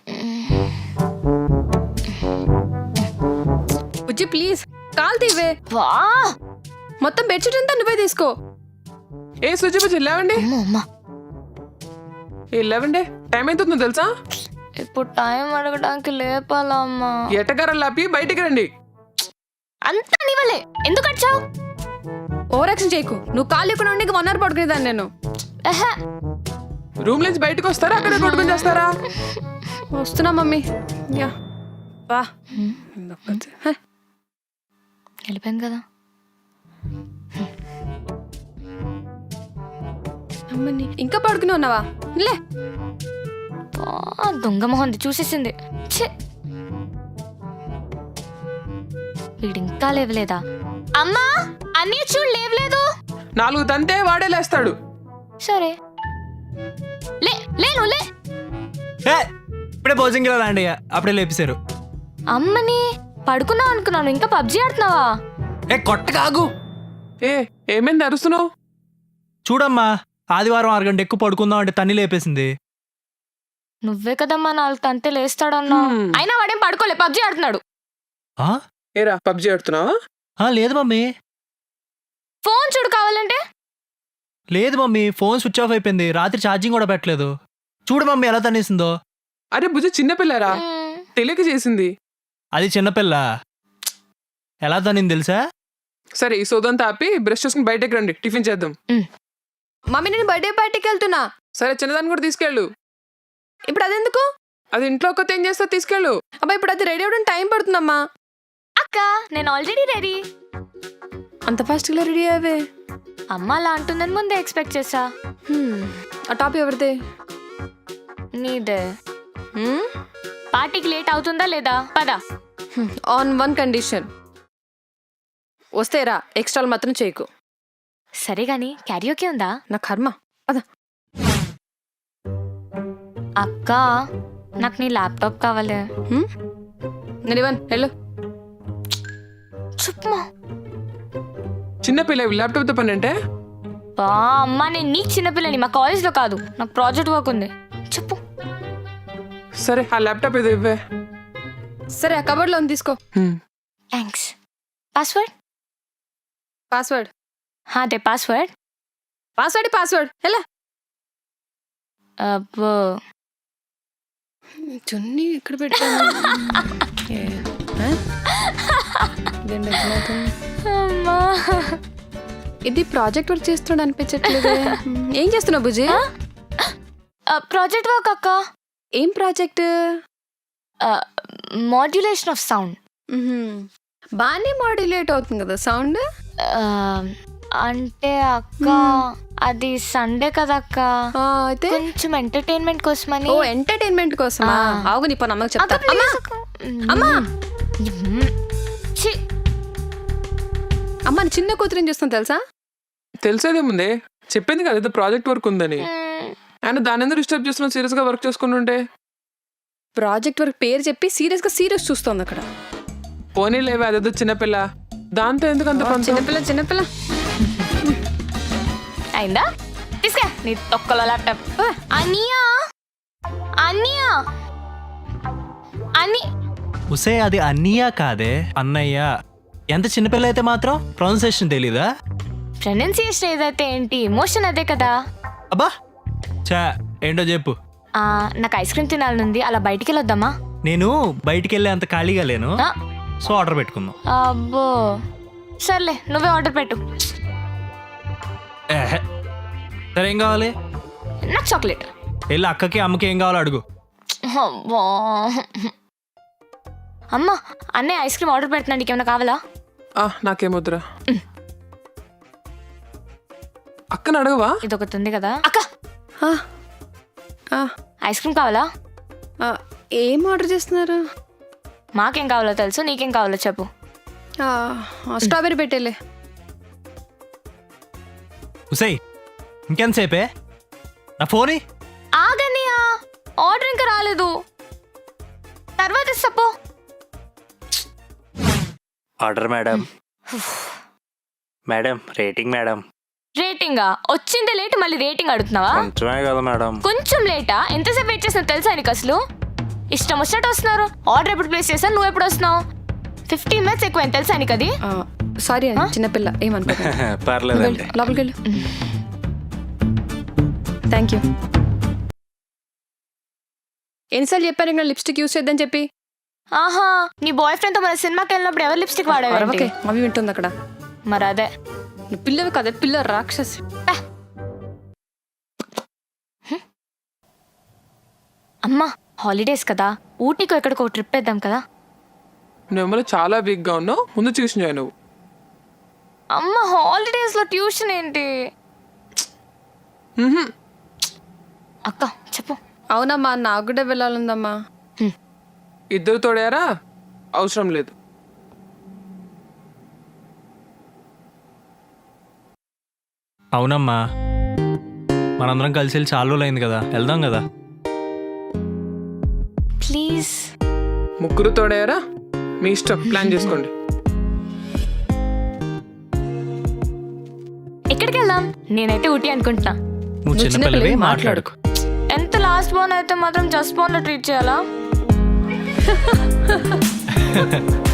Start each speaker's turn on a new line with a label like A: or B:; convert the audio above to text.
A: Bujji please call తీవే. మొత్తం bedsheet అంతా నువ్వే తీసుకో.
B: ఏ సుజి బుజ్జి లేవండి. లేవండి, టైం అవుతుందో తెలుసా?
C: ఇప్పుడు టైం అడగడానికి లేపాలా అమ్మా?
B: ఎటగారం లాపి బయటికి రండి.
C: అంతా నీవలే, ఎందుకు వచ్చావు?
A: ఓవరాక్షన్ చేయకు. నువ్వు కాల్ లేకుండా ఉండి 1 hour పడుకునేదాన్ని నేను.
B: రూమ్ నుంచి బయటకు వస్తారా, అక్కడ కొట్టుకుని చేస్తారా?
A: వస్తున్నా మమ్మీ. యా బా
C: వెళ్ళిపోయింది కదా.
A: అమ్మని ఇంకా పడుకుని ఉన్నావా? లే
C: దొంగ మొహంది చూసేసింది. వీడు ఇంకా లేవలేదా? అమ్మా అన్నీ చూడు లేవలేదు.
B: 4 తంతే వాడే లేస్తాడు.
C: సరే లే లేను లే.
D: ఇప్పుడే భోజనం రండి, అప్పుడే లేపేశారు.
C: అమ్మని పడుకున్నావు అనుకున్నాను, ఇంకా పబ్జీ ఆడుతున్నావా?
D: కొట్ట కాగు.
B: ఏమైంది అరుస్తున్నావు?
D: చూడమ్మా, ఆదివారం 6 గంట ఎక్కువ పడుకుందాం అంటే తన్ని లేపేసింది.
C: నువ్వే కదమ్మా 4 తంతే లేస్తాడన్నా. అయినా వాడేం పడుకోలే, పబ్జీ ఆడుతున్నాడు.
B: ఏరా పబ్జీ ఆడుతున్నావా?
D: లేదు మమ్మీ.
C: ఫోన్ చూడు కావాలంటే.
D: లేదు మమ్మీ, ఫోన్ స్విచ్ ఆఫ్ అయిపోయింది. రాత్రి ఛార్జింగ్ కూడా పెట్టలేదు. చూడు మమ్మీ ఎలా తనేసిందో.
B: అరే బుజ్జి చిన్నపిల్లరా, తెలియక చేసింది.
D: అది చిన్నపిల్ల, ఎలా తనింది తెలుసా?
B: సరే ఈ సోదంతా ఆపి బ్రష్ చేసుకుని బయటకు రండి, టిఫిన్ చేద్దాం.
A: మమ్మీ నేను బర్త్డే పార్టీకి వెళ్తున్నా.
B: సరే చిన్నదాన్ని కూడా తీసుకెళ్ళు.
A: ఇప్పుడు అదెందుకు?
B: అది ఇంట్లో ఒక్కతే ఏం చేస్తా, తీసుకెళ్ళు.
A: అబ్బా ఇప్పుడు అది రెడీ అవ్వడం టైం పడుతుందమ్మా.
C: అక్క నేను ఆల్రెడీ రెడీ.
A: అంత ఫాస్ట్గా రెడీ అయ్యావే?
C: అమ్మ అలా అంటుందని ముందే ఎక్స్పెక్ట్ చేసా.
A: ఆ టాప్ ఎవరిదే?
C: నీదే. పార్టీకి లేట్ అవుతుందా లేదా? పదా.
A: ఆన్ 1 కండిషన్. వస్తే రా, ఎక్స్ట్రాలు మాత్రం చేయకు.
C: సరే గాని క్యారియోకే ఉందా?
A: నా కర్మ. అదా
C: అక్క నాకు నీ ల్యాప్టాప్ కావాలి.
A: నేను ఇవ్వను, వెళ్ళు.
C: చెప్పమా.
B: చిన్నపిల్ల ల్యాప్టాప్ తో పని అంటే?
C: అమ్మా నేను నీకు చిన్నపిల్లని, మా కాలేజ్లో కాదు, నాకు ప్రాజెక్ట్ వర్క్ ఉంది. చెప్పు.
B: సరే ఆ ల్యాప్టాప్ ఏదో ఇవ్వే.
A: సరే ఆ కబోర్డ్లో ఉంది, తీసుకో.
C: థ్యాంక్స్. పాస్వర్డ్?
A: పాస్వర్డ్
C: అదే పాస్వర్డ్.
A: పాస్వర్డ్ ఎలా?
C: అబ్బో
A: చున్నీ ఎక్కడ పెట్టాను?
C: అమ్మా
A: ఇది ప్రాజెక్ట్ వర్క్ చేస్తున్నాడు అనిపించట్లేదు. ఏం చేస్తున్నావు బుజ్జి?
C: ప్రాజెక్ట్ వర్క్ అక్క.
A: ఏం ప్రాజెక్ట్?
C: Modulation of sound.
A: బాగానే మాడ్యులేట్ అవుతుంది కదా సౌండ్.
C: అంటే అక్క అది సండే కదా అక్క,
A: అయితే
C: కొంచెం ఎంటర్టైన్మెంట్ కోసమని.
A: ఓ ఎంటర్టైన్మెంట్ కోసమా? ఆగు నీ పని అమ్మకి చెప్తా. అమ్మా అమ్మా చిన్న కూతురు చూస్తాను తెలుసా?
B: తెలిసేదేముంది, చెప్పింది కదా ఏదో ప్రాజెక్ట్ వర్క్ ఉందని. ఆయన దాని ఎందుకు డిస్టర్బ్ చేస్తున్నావు? సీరియస్ గా వర్క్ చేసుకుని ఉంటే.
A: ప్రాజెక్ట్ వర్క్ పేరు చెప్పి సీరియస్ చూస్తోంది అక్కడ.
B: పోనీ లేవే, అదేదో చిన్నపిల్ల, దాంతో ఎందుకు అంత పని?
A: చిన్నపిల్ల
C: అయిందా? తీసుకా నీ తొక్కలో ల్యాప్టాప్. అనియా అనియా అని
D: ఉసే, అది అన్నయ్య కాదే అన్నయ్య. ఎంత చిన్నపిల్ల అయితే మాత్రం ప్రొనౌన్సియేషన్ తెలీదా?
C: ప్రొనౌన్సియేషన్ ఏదైతే ఏంటి, ఎమోషన్ అదే కదా.
D: అబ్బా చా, ఏంటో చెప్పు.
C: నాకు ఐస్ క్రీమ్ తినాలనుంది, అలా బయటికి వెళ్ళొద్దామా?
D: నేను బయటికి వెళ్ళే అంత ఖాళీగా లేను, సో ఆర్డర్ పెట్టుకుందాం.
C: అబ్బో సర్లే, నువ్వే ఆర్డర్ పెట్టు.
D: సరే ఏం కావాలి?
C: నాకు చాక్లెట్.
D: వెళ్ళి అక్కకి అమ్మకి ఏం కావాలో అడుగు.
C: అమ్మ అన్నయ్య ఐస్ క్రీమ్ ఆర్డర్ పెడుతున్నా, నీకేమైనా కావాలా?
B: నాకేమొద్దురా. అక్కని అడగవా?
C: ఇది ఒకటి ఉంది కదా. అక్క ఐస్ క్రీమ్ కావాలా?
A: ఏం ఆర్డర్ చేస్తున్నారు?
C: మాకేం కావాలో తెలుసు, నీకేం కావాలో చెప్పు.
A: స్ట్రాబెర్రీ పెట్టేలే.
D: ఉసై ఇంకెంతసేపే? నా ఫోన్
C: ఆగనియా, ఆర్డర్ ఇంకా రాలేదు, తర్వాత ఇస్తాపో.
D: Order madam. Madam rating madam.
C: రేటింగా? వచ్చిందే లేట్, మళ్ళీ రేటింగ్ అడుగుతున్నావా?
D: కొంచెమే కదా మేడం.
C: కొంచెం లేటా? ఎంతసేపు వెయిట్ చేసినా తెలుసా నీకు అసలు? ఇష్టం వచ్చినట్టు వస్తున్నారు. ఆర్డర్ ఎప్పుడు ప్లేస్ చేశాను, నువ్వు ఎప్పుడు వస్తున్నావు? 15 minutes ఎక్కువ తెలుసా నీకు అది?
A: సారీ అండి, చిన్నపిల్ల ఏమనుకో.
D: పర్లేదండి.
A: లోపలికి వెళ్ళు. Thank you. ఎన్నిసార్లు చెప్పారు ఇంకా లిప్స్టిక్ యూస్ చేద్దని చెప్పి?
C: ఆహా, నీ బాయ్ ఫ్రెండ్ తో మన సినిమాకి వెళ్ళినప్పుడు ఎవరు లిప్స్టిక్ వాడేవారు?
A: అరవకే, మమ్మీ వింటుంది అక్కడ.
C: మరి అదే
A: నువ్వు పిల్లవి కదా, పిల్ల రాక్షసి.
C: అమ్మా హాలిడేస్ కదా, ఊటీకి ఎక్కడికో ట్రిప్ వేద్దాం కదా.
B: నువ్వు చాలా వీక్ గా ఉన్నావు, ముందు ట్యూషన్ జాయిన్ అవ్వు.
C: అమ్మ హాలిడేస్ లో ట్యూషన్ ఏంటి? అక్క చెప్పు.
A: అవునమ్మా, నాకు కూడా వెళ్ళాలందమ్మా.
B: ఇద్దరు తోడారా? అవసరం లేదు.
D: అవునమ్మా, మనందరం కలిసి వెళ్ళి చాలా రోజులు అయింది కదా, వెళ్దాం కదా.
C: ప్లీజ్.
B: ముగ్గురు తోడారా? మీ ఇష్టం, ప్లాన్ చేసుకోండి.
C: ఎక్కడికి వెళ్దాం? నేనైతే ఊటీ అనుకుంటున్నా.
D: నువ్వు చిన్నపిల్లవి, మాట్లాడుకో.
C: ఎంత లాస్ట్ బోన్ అయితే మాత్రం జస్ట్ బోన్ లో ట్రీట్ చేయాలా?